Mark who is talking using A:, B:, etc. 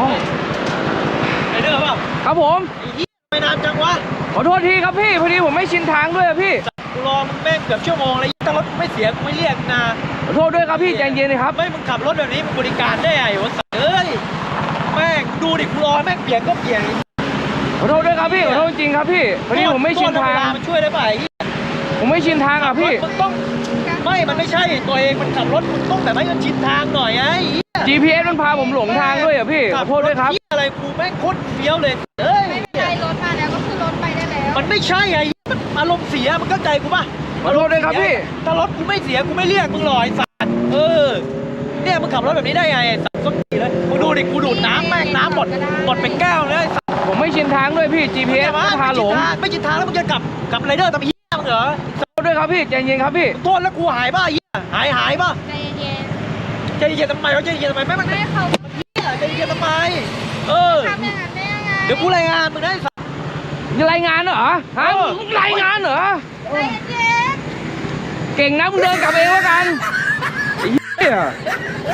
A: ไอ้เด้อเปล่า
B: ครับผม
A: ไม่นานจังวะ
B: ขอโทษทีครับพี่พอดีผมไม่ชินทางด้วยพี่
A: กูรอมึงแม่งเกือบชั่วโมงเลยถ้ารถไม่เสียกูไม่เรียกนะ
B: ขอโทษด้วยครับพี่ใจเย็นเลยครับ
A: ไม่มึงขับรถแบบนี้มึงบริการได้ไงวะเอ้ยแม่งดูดิกูรอแม่งเปลี่ยนก็เปลี่ยน
B: ขอโทษด้วยครับพี่ขอโทษจริงครับพี่พอดีผมไม่ชินทาง
A: มันช่วยได้ป่ะ
B: ผมไม่ชินทางอ่ะพี่
A: มึงต้องไม่มันไม่ใช่ตัวเองมันขับรถมึงต้องแบบให้มันชินทางหน่อยไอ้
B: GPS มันพาผมหลงทางด้วยอ่ะพี่ขอโทษด้วยครับ
A: อะไรกูแม่งโคตรเฟี้ยวเลยเอ้ย
C: ไม่เป็นไรรถมาแล้วก็คือรถไปได้แล้ว
A: มันไม่ใช่ไอ้มันอารมณ์เสียมันเข้าใจกูป่ะ
B: ขอโทษด้วยครับพี่
A: ถ้ารถกูไม่เสียกูไม่เรียกมึงหรอกไอ้สัตว์เนี่ยมึงขับรถแบบนี้ได้ไงไอ้สัตว์ส้นตีเลยมึงดูดิกูดูดน้ำแม่งน้ำหมดเป็นแก้วเลย
B: ผมไม่ชินทางด้วยพี่ GPS มันพาหลง
A: ไม่ชินทางแล้วมึงจะกลับไรเดอร์ทำเหี้ยมึงเหรอ
B: ขอโทษด้วยครับพี่ใจเย็นครับพี่
A: โทษแล้วกูหายป่ะเหี้ยหายป่ะ
C: ใจเย็น
A: ใจเย็นทำไมวะใจเย็นทำไมไม่มัน
C: ไม่เขา
A: ใจเย็นทำไม
C: ทำอย่างนั้นได้ยังไง
A: เดี๋ยวกูรายงานมึงได้สัตว์
B: รายงานเหรอฮะมึงรายงานเหรอ
C: ใจเย็น
B: เก่งนะมึงเดินกลับเองแล้วกันไอ้เหี้ย